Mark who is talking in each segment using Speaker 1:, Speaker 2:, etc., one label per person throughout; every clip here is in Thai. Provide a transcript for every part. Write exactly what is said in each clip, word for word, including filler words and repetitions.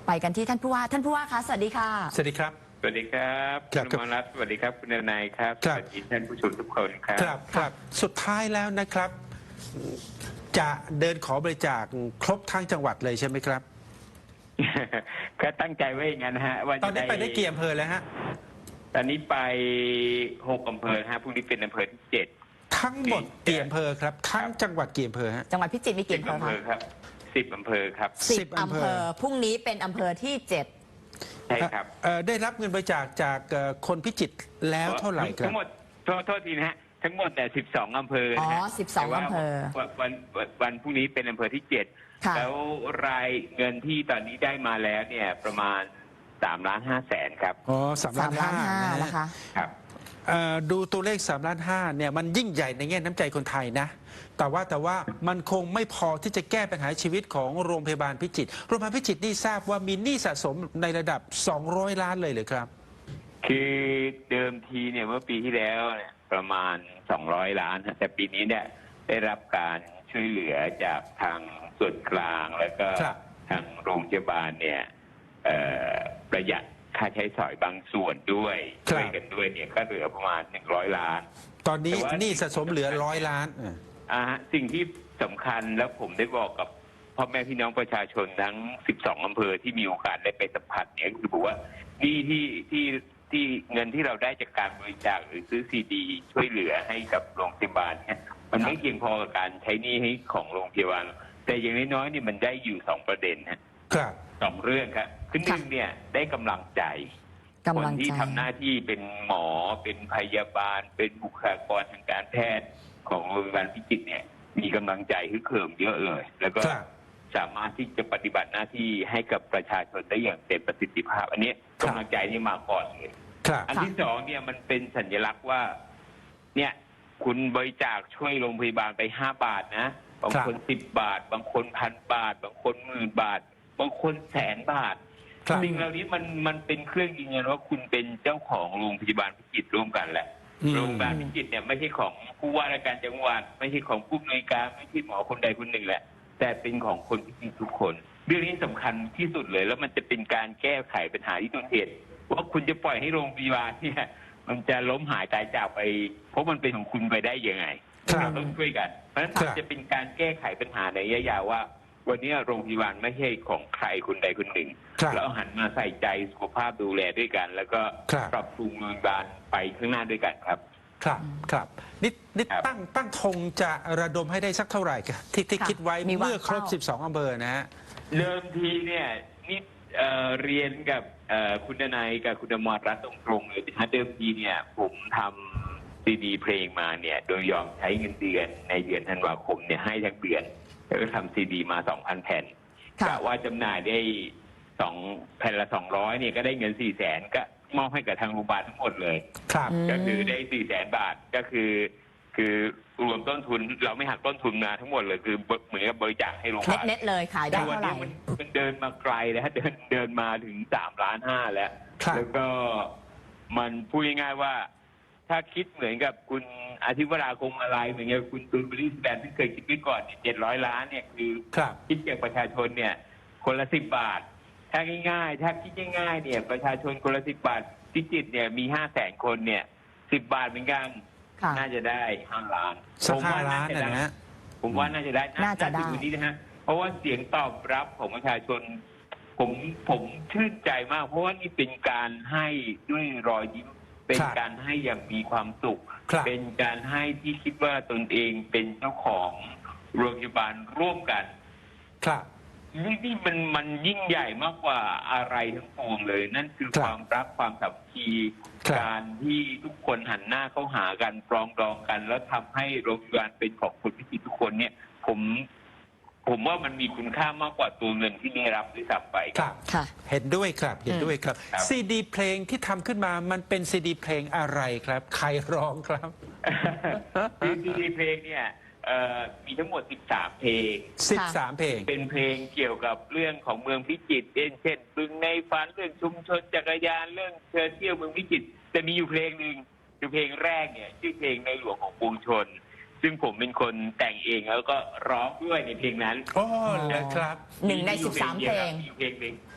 Speaker 1: ไปกันที่ท่านผู้ว่าท่านผู้ว่าคะสวัสดีค่ะ
Speaker 2: สวัสดีครับ
Speaker 3: สวัสดีครับคุณมรัตน์สวัสดีครับคุณนายครับสวัสดีท่านผู้ชมทุกคนครับ
Speaker 2: ครับครับสุดท้ายแล้วนะครับ จะเดินขอบริจาคครบทั้งจังหวัดเลยใช่ไหมครับ
Speaker 3: ก็ตั้งใจไว้อย่างนั้นฮะว่า
Speaker 2: ตอนนี้ไปได้กี่อำเภอแล้วฮะ
Speaker 3: ตอนนี้ไปหกอำเภอฮะพรุ่งนี้เป็นอำเภอที่เจ็ด
Speaker 2: ทั้งหมดกี่อำเภอครับทั้งจังหวัดกี่อำเภอฮะ
Speaker 1: จังหวัดพิจิตรมีกี่อำเภอ
Speaker 3: ครับสิบอำเภอครับ
Speaker 1: สิบอำเภอพรุ่งนี้เป็นอำเภอที่เจ็ด
Speaker 3: ใช่ครับ
Speaker 2: ได้รับเงินบริจาคจากคนพิจิตรแล้วเท่าไหร่ครับ
Speaker 3: ทั้งหมดโทษทีนะฮะทั้งหมดแต่สิบสองอำเภอ
Speaker 1: อ๋อสิบสองอำเภอ
Speaker 3: วันวันพรุ่งนี้เป็นอำเภอที่เจ็ดแล้วรายเงินที่ตอนนี้ได้มาแล้วเนี่ยประมาณสามล้านห้าแสนครับ
Speaker 2: อ๋อสามล้านห้า
Speaker 1: นะคะ
Speaker 3: ครับ
Speaker 2: ดูตัวเลขสามล้านห้าเนี่ยมันยิ่งใหญ่ในแง่น้ำใจคนไทยนะแต่ว่าแต่ว่ามันคงไม่พอที่จะแก้ปัญหาชีวิตของโรงพยาบาลพิจิตรโรงพยาบาลพิจิตรนี่ทราบว่ามีหนี้สะสมในระดับสองร้อยล้านเลยเหรอครับ
Speaker 3: คือเดิมทีเนี่ยเมื่อปีที่แล้วเนี่ยประมาณสองร้อยล้านแต่ปีนี้เนี่ยได้รับการช่วยเหลือจากทางส่วนกลางแล้วก็ทางโรงพยาบาลเนี่ยประหยัดค่าใช้สอยบางส่วนด้วยช่วยกันด้วยเนี่ยก็เหลือประมาณหนึ่งร้อยล้าน
Speaker 2: ตอนนี้หนี้สะสมเหลือร้อยล้าน
Speaker 3: อ่าสิ่งที่สำคัญแล้วผมได้บอกกับพ่อแม่พี่น้องประชาชนทั้งสิบสองอำเภอที่มีโอกาสได้ไปสัมผัสเนี่ยคือบอกว่านี่ที่ที่ที่เงินที่เราได้จากการบริจาคหรือซื้อซีดีช่วยเหลือให้กับโรงพยาบาลเนี่ยมันไม่เพียงพอกับการใช้หนี้ให้ของโรงพยาบาลแต่อย่างน้อยๆนี่มันได้อยู่สองประเด็นนะครับสองเรื่องครับคือหนึ่งเนี่ยได้กำลังใจคนที่ทำหน้าที่เป็นหมอเป็นพยาบาลเป็นบุคลากรทางการแพทย์ของโรงพยาบาลพิจิตรเนี่ยมีกำลังใจฮึกเหิมเยอะเลยแล้วก็สามารถที่จะปฏิบัติหน้าที่ให้กับประชาชนได้อย่างเต็มประสิทธิภาพอันนี้กำลังใจนี่มาก่อนเลยอันที่สองเนี่ยมันเป็นสัญลักษณ์ว่าเนี่ยคุณบริจาคช่วยโรงพยาบาลไปห้าบาทนะบางคนสิบบาทบางคนพันบาทบางคนหมื่นบาทบางคนแสนบาทสิ่งเหล่านี้มันมันเป็นเครื่องยืนยันว่าคุณเป็นเจ้าของโรงพยาบาลพิจิตรร่วมกันแหละโรงพยาบาลพิจิตรเนี่ยไม่ใช่ของผู้ว่าราชการจังหวัดไม่ใช่ของผู้อำนวยการไม่ใช่หมอคนใดคนหนึ่งแหละแต่เป็นของคนพิจิตรทุกคนเรื่องนี้สำคัญที่สุดเลยแล้วมันจะเป็นการแก้ไขปัญหาที่ต้นเหตุว่าคุณจะปล่อยให้โรงพยาบาลเนี่ยมันจะล้มหายตายจากไปเพราะมันเป็นของคุณไปได้ยังไงเราต้องช่วยกันเพราะฉะนั้นจะเป็นการแก้ไขปัญหาในระยะยาวว่าวันนี้โรงพยาบาลไม่ใช่ของใครคนใดคนหนึ่งแล้วหันมาใส่ใจสุขภาพดูแลด้วยกันแล้วก็ปรับปรุงโรงพยาบาลไปข้างหน้าด้วยกันครับ
Speaker 2: ครับครับนิดนิดตั้งตั้งธงจะระดมให้ได้สักเท่าไหร่ครับที่ที่คิดไว้เมื่อครบสิบสองอำเภอนะฮะ
Speaker 3: เริ่มทีเนี่ยนี่เรียนกับคุณนายกับคุณอมรรัตน์ตรงๆเลยนะเดิมทีเนี่ยผมทำซีดีเพลงมาเนี่ยโดยยอมใช้เงินเดือนในเดือนธันวาคมเนี่ยให้ทั้งเดือนแล้วก็ทำซีดีมาสองพันแผ่นกะว่าจำหน่ายได้สองแผ่นละสองร้อยเนี่ยก็ได้เงินสี่แสนก็มอบให้กับทางโรงพยาบาลทั้งหมดเลย
Speaker 2: ครับ
Speaker 3: ก็คือได้สี่แสนบาทก็คือคือรวมต้นทุนเราไม่หักต้นทุนมาทั้งหมดเลยคือเหมือนกับบริจาคให้โรงพยาบาล
Speaker 1: เน็ตเลยขายได้เท่าไหร่
Speaker 3: มันเดินมาไกลแล้วเดินเดินมาถึงสามล้านห้าแล้วแล้วก็มันพูดง่ายๆว่าถ้าคิดเหมือนกับคุณอาทิวราคงอะไรเหมือนกับคุณตูนบริสแบนที่เคยคิดไว้ก่อนเจ็ดร้อยล้านเนี่ยคือคิดจากประชาชนเนี่ยคนละสิบบาทถ้าง่ายๆถ้าคิดง่ายๆเนี่ยประชาชนคนละสิบบาทพิจิตรเนี่ยมีห้าแสนคนเนี่ยสิบบาทเหมือนกันน่าจะได้ห้าล้าน
Speaker 2: ผมว่าน่าจะได้
Speaker 3: ผมว่าน่าจะได้
Speaker 1: น่าจะได้
Speaker 3: นี้นะฮะเพราะว่าเสียงตอบรับของประชาชนผมผมชื่นใจมากเพราะว่านี่เป็นการให้ด้วยรอยยิ้มเป็นการให้อย่างมีความสุขเป็นการให้ที่คิดว่าตนเองเป็นเจ้าของโรงพยาบาลร่วมกัน
Speaker 2: ครับ
Speaker 3: นี่นี่มันมันยิ่งใหญ่มากกว่าอะไรทั้งปวงเลยนั่นคือความรักความสามัคคีการที่ทุกคนหันหน้าเข้าหากันปรองดองกันแล้วทำให้โรงพยาบาลเป็นของคนพิจิตรทุกคนเนี่ยผมผมว่ามันมีคุณค่ามากกว่าตัวเงินที่ได้รับด้วยซ้ำไป
Speaker 2: ครับเห็นด้วยครับเห็นด้วยครับซีดีเพลงที่ทำขึ้นมามันเป็นซีดีเพลงอะไรครับใครร้องครับ
Speaker 3: ซีดีเพลงเนี่ยมีทั้งหมดสิบสามเพลง
Speaker 2: สิบสามเพลง
Speaker 3: เป็นเพลงเกี่ยวกับเรื่องของเมืองพิจิตรเช่นบึงในฝันเรื่องชุมชนจักรยานเรื่องเชิญเที่ยวเมืองพิจิตรแต่มีอยู่เพลงหนึ่งคือเพลงแรกเนี่ยชื่อเพลงในหลวงของปวงชนซึ่งผมเป็นคนแต่งเองแล้วก็ร้องด้วยในเพลงนั้น
Speaker 2: โอ้ครับ
Speaker 1: หนึ่งในสิบสามเพลง
Speaker 3: เพลงหนึ่ง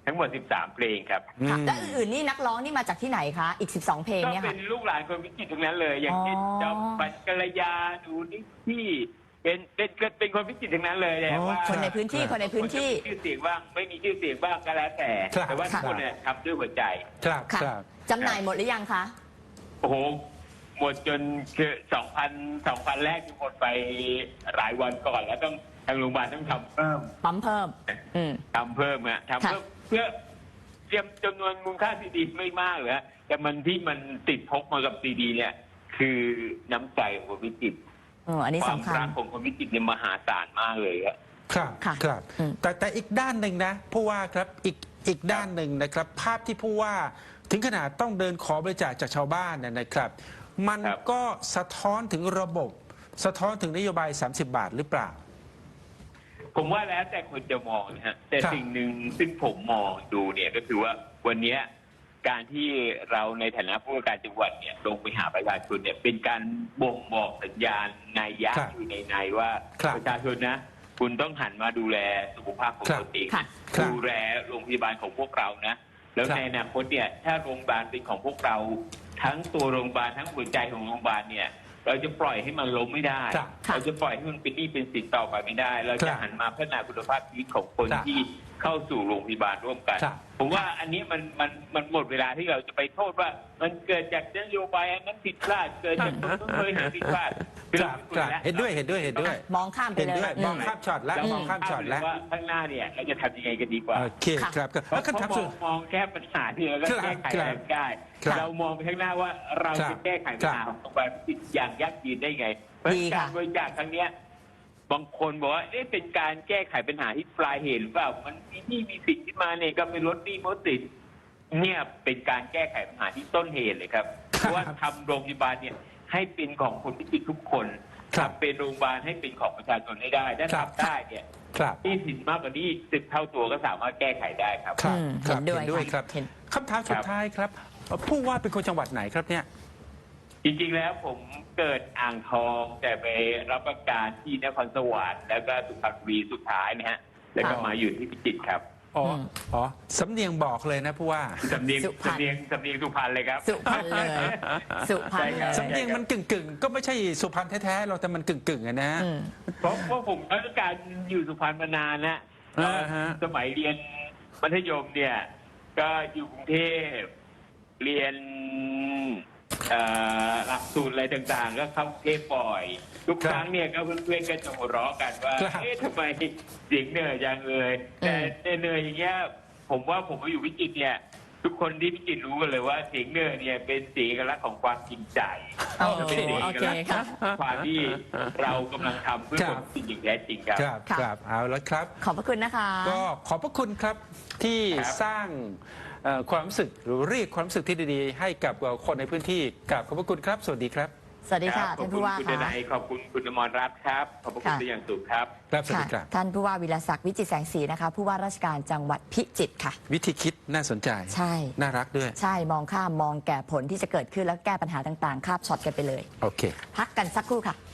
Speaker 3: ทั้งหมดสิบสามเพลงครับ
Speaker 1: ค่ะ
Speaker 2: อืม
Speaker 1: แล้วอื่นๆนี่นักร้องนี่มาจากที่ไหนคะ อีก สิบสอง เพลง
Speaker 3: ก็
Speaker 1: เนี่ย
Speaker 3: เป็
Speaker 1: ค่ะ
Speaker 3: นลูกหลานคนพิจิตรทั้งนั้นเลย อย่างเช่น
Speaker 1: อ๋อ
Speaker 3: จอมปัญกัลยาหนูนิที่เป็นเป็นเป็นคนพิจิตรทั้งนั้นเลยแต่
Speaker 2: อ๋อ
Speaker 3: ว่า
Speaker 1: คนในพื้นที่ คนในพื้นที่
Speaker 3: คนจะมีชื่อเสียงบ้างไม่มีชื่อเสียงบ้างก็แล้วแต่
Speaker 2: ครับ
Speaker 3: แต่ว่าทุก
Speaker 2: ครับ
Speaker 3: คนเนี่ยทำด้วยหัวใจ
Speaker 2: ครับ
Speaker 1: ค่ะ
Speaker 2: ครับ
Speaker 1: จำหน่ายหมดหรือยังคะ
Speaker 3: โอ้โหหมดจนคือสองพันสองพันแรกที่หมดไปหลายวันก่อนแล้วต้องทางโรงพยาบาลต้องทำเพิ่ม
Speaker 1: ปั๊มเพิ่ม อืม
Speaker 3: ทำเพิ่มอะทำเพิ่มเพื่อเตรียมจำนวนมูลค่าซีดีไม่มากเลยฮะแต่มันที่มันติดพกมากับซีดีเนี่ย คือน้ำใจของคนพิจิตร
Speaker 1: เอออันนี้
Speaker 3: ความ
Speaker 1: สำคัญ
Speaker 3: รักของคนพิจิตรเนี่ยมหาศาลมากเลยครับ
Speaker 2: ครับ
Speaker 1: ค่ะ
Speaker 2: ครับ
Speaker 1: อืม
Speaker 2: แต่แต่อีกด้านหนึ่งนะผู้ว่าครับอีกอีกด้านหนึ่งนะครับ ภาพที่ผู้ว่าถึงขนาดต้องเดินขอบริจาคจากชาวบ้านเนี่ยนะครับ มัน
Speaker 3: ครับ
Speaker 2: ก็สะท้อนถึงระบบ สะท้อนถึงนโยบาย สามสิบบาทหรือเปล่า
Speaker 3: ผมว่าแล้วแต่คนจะมองนะฮะแต่
Speaker 2: ครับ
Speaker 3: สิ่งหนึ่งซึ่งผมมองดูเนี่ยก็คือว่าวันเนี้ยการที่เราในฐานะผู้ว่าการจังหวัดเนี่ยลงไปหาประชาชนเนี่ยเป็นการบ่งบอกสัญญาณนัยยะ
Speaker 2: ครับ
Speaker 3: อยู่ในในว่า
Speaker 2: ครับ
Speaker 3: ประชาชนนะ คุณต้องหันมาดูแลสุขภาพของ
Speaker 2: ครับ
Speaker 3: ตนเอง
Speaker 1: ค่ะ
Speaker 2: ครับ
Speaker 3: ดูแลโรงพยาบาลของพวกเรานะ แล้ว
Speaker 2: ครับ
Speaker 3: ในอนาคตเนี่ยถ้าโรงพยาบาลเป็นของพวกเรา ทั้งตัวโรงพยาบาลทั้งหัวใจของโรงพยาบาลเนี่ย เราจะปล่อยให้มันล้มไม่ได้
Speaker 2: ครับ
Speaker 1: ค่ะ
Speaker 3: เราจะปล่อยให้มันเป็นหนี้เป็นสินต่อไปไม่ได้ เรา
Speaker 2: ครั
Speaker 3: จะ
Speaker 2: บ
Speaker 3: หันมาพัฒนาคุณภาพชีวิตของคน
Speaker 2: ครับ
Speaker 3: ที่เข้าสู่โรงพยาบาลร่วมกัน
Speaker 2: ครับ
Speaker 3: ผมว่าอันนี้มันมันมันหมดเวลาที่เราจะไปโทษว่า มันเกิดจากนโยบายอันนั้นผิดพลาดเกิดจากคนนู้นเคยหาผิดพลาด
Speaker 2: ครับครับเห็นด้วยเห็นด้วยเห็นด้วย
Speaker 1: มองข้ามไป
Speaker 2: เห็น
Speaker 1: เลย
Speaker 2: ด้วย
Speaker 1: อื
Speaker 2: มองข้ามช็อตแล้ว
Speaker 3: เรา
Speaker 2: มองข้ามช็อตแล้ว
Speaker 3: ว่าข้างหน้าเนี่ยเราจะทำยังไงกันดีกว่า
Speaker 2: โอเค
Speaker 1: ค่ะ
Speaker 2: ครับครับ
Speaker 3: เพ
Speaker 2: แล้ว
Speaker 3: ราะ
Speaker 2: คำถาม
Speaker 3: ม
Speaker 2: สุ
Speaker 3: อ
Speaker 2: ด
Speaker 3: งมองแค่ปัญหาที่เราก็
Speaker 2: ครับ
Speaker 3: แก้ไข
Speaker 2: ครับ
Speaker 3: ได้
Speaker 2: ครับ
Speaker 3: เรามองไปข้างหน้าว่าเรา
Speaker 2: ครั
Speaker 3: จะ
Speaker 2: บ
Speaker 3: แก้ไขปัญหาของโรงพยาบาลพิจิตรอย่างยั่งยืนได้ไง เพราะ
Speaker 1: ดีค่ะ
Speaker 3: การบริจาคครั้งเนี้ยบางคนบอกว่าเอ๊ะเป็นการแก้ไขปัญหาที่ปลายเหตุหรือเปล่ามันมีหนี้มีสินขึ้นมาเนี่ยก็ไปลดหนี้ลดสินเนี่ยเป็นการแก้ไขปัญหาที่ต้นเหตุเลยครับเพราะว่าทำโรงพยาบาลเนี่ยให้เป็นของคนพิจิตรทุกคน
Speaker 2: ครับ
Speaker 3: ทำเป็นโรงพยาบาลให้เป็นของประชาชนให้ได้ถ้า
Speaker 2: ครับ
Speaker 3: ทำได้เนี่ย
Speaker 2: ครับ
Speaker 3: หนี้สินมากกว่านี้สิบเท่าตัวก็สามารถแก้ไขได้ครับ
Speaker 2: ครับ
Speaker 1: อืม
Speaker 2: ครับ
Speaker 1: เห็นด้วย
Speaker 2: เห็นด้วย
Speaker 1: ค่ะ
Speaker 2: ครับ
Speaker 1: เห็น
Speaker 2: คำถามสุดท้ายครับผู้ว่าเป็นคนจังหวัดไหนครับเนี่ย
Speaker 3: จริงๆ แล้วผมเกิดอ่างทองแต่ไปรับราชการที่นครสวรรค์แล้วก็สุพรรณบุรีสุดท้ายนะฮะ แล้วก็
Speaker 1: ค่ะ
Speaker 3: มาอยู่ที่พิจิตรครับ
Speaker 2: อ๋ออ
Speaker 1: ม
Speaker 2: อ๋อสำเนียงบอกเลยนะผู้ว่า
Speaker 3: สำเนียง
Speaker 1: สุพรรณ
Speaker 3: สำเนียงสำเนียงสุพรรณเลยครับ
Speaker 1: สุพรรณเลย สุพรรณเล
Speaker 3: ใช่
Speaker 1: ย
Speaker 3: ครับ
Speaker 2: สำเนียงมันกึ่งกึ่งๆก็ไม่ใช่สุพรรณแท้ๆเราแต่มันกึ่งกึ่งๆอะนะ
Speaker 1: อืม
Speaker 3: เพราะว่าผมรับราชการอยู่สุพรรณมานานนะ
Speaker 2: อ่าฮะ
Speaker 3: สมัยเรียนมัธยมเนี่ย ก็อยู่กรุงเทพเรียนเอ่อหลักสูตรอะไรต่างๆ ก็เข้ากรุงเทพบ่อย ทุกครั้งเนี่ยก็เพื่อนๆก็จะหัวเราะกันว่า
Speaker 2: ครับ
Speaker 3: เอ๊ะทำไมเสียงเหนื่อยจังเลยแต่เหนื่อยอย่างเงี้ยผมว่าผมมาอยู่พิจิตรเนี่ย ทุกคนที่พิจิตรรู้กันเลยว่าเสียงเหนื่อยเนี่ยเป็นสีเอกลักษณ์ของความจริงใจ
Speaker 1: โอ
Speaker 3: เป็
Speaker 1: เคน
Speaker 3: สี
Speaker 1: โอ
Speaker 3: เอก
Speaker 1: เค
Speaker 3: ลักษณ์
Speaker 1: ค่ะ
Speaker 3: ความที่เรากำลังทำเพื่อ
Speaker 2: ครั
Speaker 3: ค
Speaker 2: บ
Speaker 3: นจริงอย่างแท้จริงครับ
Speaker 2: ครับ
Speaker 1: ค่ะ
Speaker 2: ครับเอาแล้วครับ
Speaker 1: ขอบพระคุณนะคะ
Speaker 2: ก็ขอบพระคุณครับที่
Speaker 3: ครับ
Speaker 2: สร้างเอ่อความรู้สึกหรือเรียกความรู้สึกที่ดีๆ ให้กับคนในพื้นที่กับขอบพระคุณครับ สวัสดีครับ
Speaker 1: สวัสดีค่ะ
Speaker 3: รับขอ
Speaker 1: ท่า
Speaker 3: บ
Speaker 1: น
Speaker 3: คุ
Speaker 1: ผู้
Speaker 3: ณ
Speaker 1: ว่า
Speaker 3: คุณ
Speaker 1: ค่ะ
Speaker 3: นายขอบคุณคุณอมรรัตน์ครับ ขอบพระคุณ
Speaker 1: ค่ะ
Speaker 3: เป็นอย่างสูงครับ
Speaker 2: ครับสวัสดีค
Speaker 1: ค่ะ
Speaker 2: รับ
Speaker 1: ท่านผู้ว่าวิรศักดิ์วิจิตรแสงสีนะคะ ผู้ว่าราชการจังหวัดพิจิตรค่ะ
Speaker 2: วิธีคิดน่าสนใจ
Speaker 1: ใช่
Speaker 2: น่ารักด้วย
Speaker 1: ใช่มองข้ามมองแก่ผลที่จะเกิดขึ้นแล้วแก้ปัญหาต่างๆคาบช็อตกันไปเลย
Speaker 2: โอเค
Speaker 1: พักกันสักครู่ค่ะ